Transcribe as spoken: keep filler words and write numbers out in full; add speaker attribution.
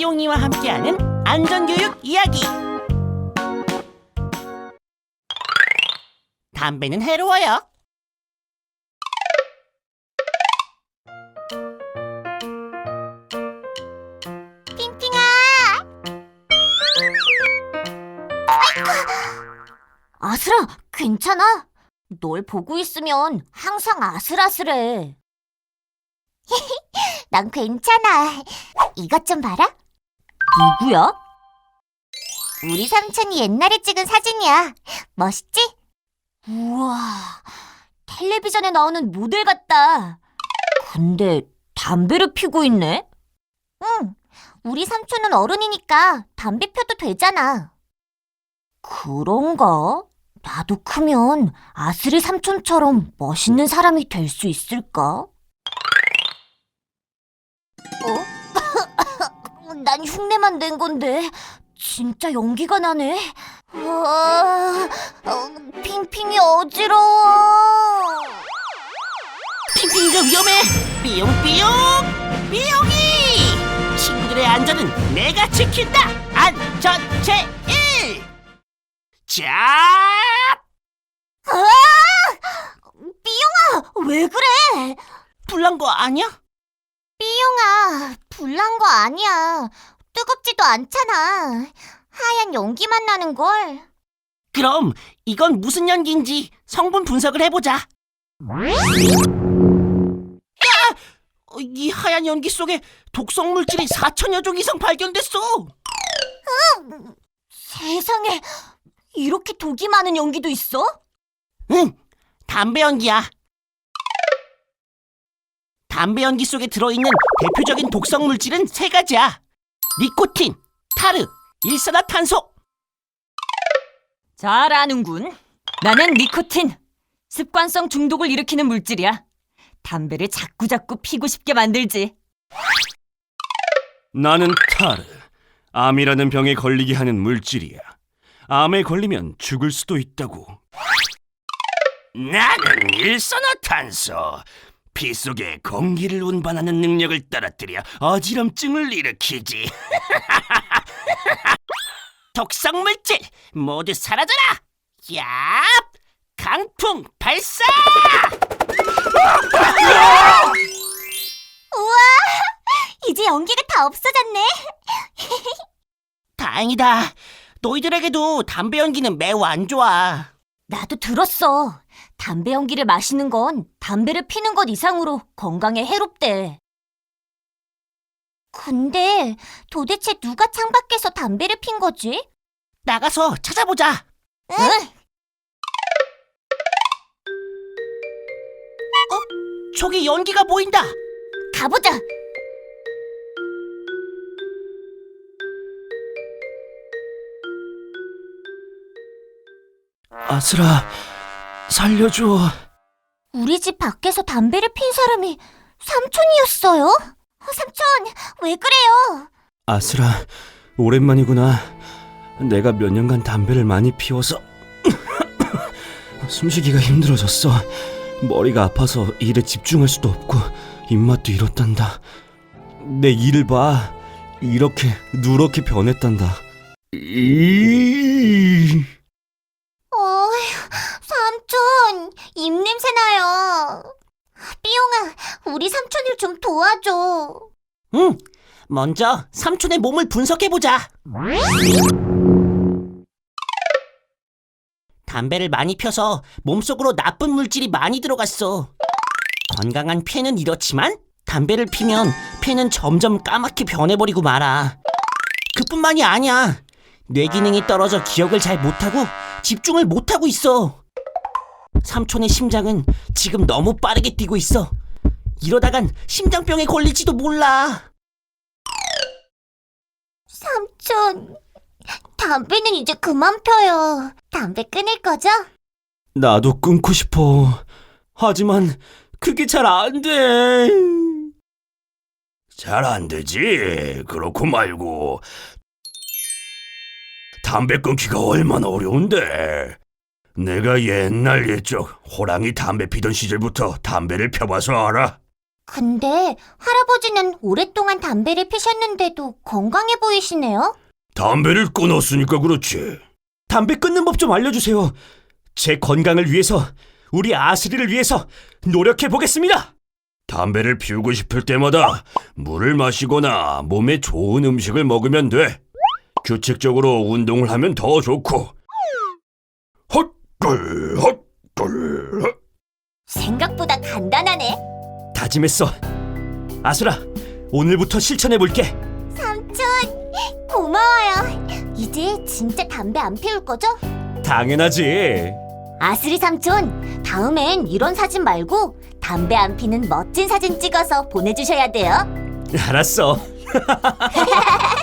Speaker 1: 삐용이와 함께하는 안전교육 이야기. 담배는 해로워요.
Speaker 2: 핑핑아! 아이고! 아슬아, 괜찮아? 널 보고 있으면 항상 아슬아슬해. 난 괜찮아. 이것 좀 봐라. 누구야? 우리 삼촌이 옛날에 찍은 사진이야. 멋있지? 우와, 텔레비전에 나오는 모델 같다. 근데 담배를 피고 있네? 응, 우리 삼촌은 어른이니까 담배 펴도 되잖아. 그런가? 나도 크면 아스리 삼촌처럼 멋있는 사람이 될 수 있을까? 어? 난 흉내만 낸 건데 진짜 연기가 나네. 우와, 어, 핑핑이 어지러워.
Speaker 1: 핑핑이가 위험해. 삐용삐용 삐용이. 친구들의 안전은 내가 지킨다. 안전 제일. 자,
Speaker 2: 삐용아, 왜 그래?
Speaker 1: 불난 거 아니야?
Speaker 2: 삐용아, 불난 거 아니야. 뜨겁지도 않잖아. 하얀 연기만 나는걸.
Speaker 1: 그럼 이건 무슨 연기인지 성분 분석을 해보자. 야! 이 하얀 연기 속에 독성 물질이 사천여 종 이상 발견됐어.
Speaker 2: 세상에, 이렇게 독이 많은 연기도 있어?
Speaker 1: 응, 담배 연기야. 담배 연기 속에 들어있는 대표적인 독성 물질은 세 가지야. 니코틴, 타르, 일산화탄소.
Speaker 3: 잘 아는군. 나는 니코틴. 습관성 중독을 일으키는 물질이야. 담배를 자꾸자꾸 피고 싶게 만들지.
Speaker 4: 나는 타르. 암이라는 병에 걸리게 하는 물질이야. 암에 걸리면 죽을 수도 있다고.
Speaker 5: 나는 일산화탄소. 피 속에 공기를 운반하는 능력을 떨어뜨려 어지럼증을 일으키지.
Speaker 1: 독성 물질 모두 사라져라. 야! 강풍 발사!
Speaker 2: 우와, 이제 연기가 다 없어졌네.
Speaker 1: 다행이다. 너희들에게도 담배 연기는 매우 안 좋아.
Speaker 2: 나도 들었어. 담배 연기를 마시는 건 담배를 피는 것 이상으로 건강에 해롭대. 근데 도대체 누가 창밖에서 담배를 핀 거지?
Speaker 1: 나가서 찾아보자.
Speaker 2: 응?
Speaker 1: 저기 연기가 보인다.
Speaker 2: 가보자.
Speaker 4: 아슬아, 살려줘.
Speaker 2: 우리 집 밖에서 담배를 핀 사람이 삼촌이었어요? 어, 삼촌, 왜 그래요?
Speaker 4: 아슬아, 오랜만이구나. 내가 몇 년간 담배를 많이 피워서 숨쉬기가 힘들어졌어. 머리가 아파서 일에 집중할 수도 없고 입맛도 잃었단다. 내 이를 봐. 이렇게 누렇게 변했단다. 이...
Speaker 2: 어휴, 삼촌, 입냄새 나요. 삐용아, 우리 삼촌을 좀 도와줘.
Speaker 1: 응, 먼저 삼촌의 몸을 분석해보자. 담배를 많이 펴서 몸속으로 나쁜 물질이 많이 들어갔어. 건강한 폐는 이렇지만 담배를 피면 폐는 점점 까맣게 변해버리고 말아. 그뿐만이 아니야. 뇌 기능이 떨어져 기억을 잘 못하고 집중을 못하고 있어. 삼촌의 심장은 지금 너무 빠르게 뛰고 있어. 이러다간 심장병에 걸릴지도 몰라.
Speaker 2: 삼촌, 담배는 이제 그만 펴요. 담배 끊을 거죠?
Speaker 4: 나도 끊고 싶어. 하지만 그게 잘 안 돼.
Speaker 5: 잘 안 되지. 그렇고 말고. 담배 끊기가 얼마나 어려운데. 내가 옛날 옛적 호랑이 담배 피던 시절부터 담배를 펴봐서 알아.
Speaker 2: 근데 할아버지는 오랫동안 담배를 피셨는데도 건강해 보이시네요.
Speaker 5: 담배를 끊었으니까 그렇지.
Speaker 4: 담배 끊는 법 좀 알려주세요. 제 건강을 위해서, 우리 아스리를 위해서 노력해 보겠습니다.
Speaker 5: 담배를 피우고 싶을 때마다 물을 마시거나 몸에 좋은 음식을 먹으면 돼. 규칙적으로 운동을 하면 더 좋고. 헛글 헛글 헛.
Speaker 2: 생각보다 간단하네.
Speaker 4: 다짐했어. 아수라, 오늘부터 실천해 볼게.
Speaker 2: 삼촌, 고마워요. 이제 진짜 담배 안 피울 거죠?
Speaker 4: 당연하지.
Speaker 2: 아스리 삼촌, 다음엔 이런 사진 말고 담배 안 피는 멋진 사진 찍어서 보내주셔야 돼요.
Speaker 4: 알았어.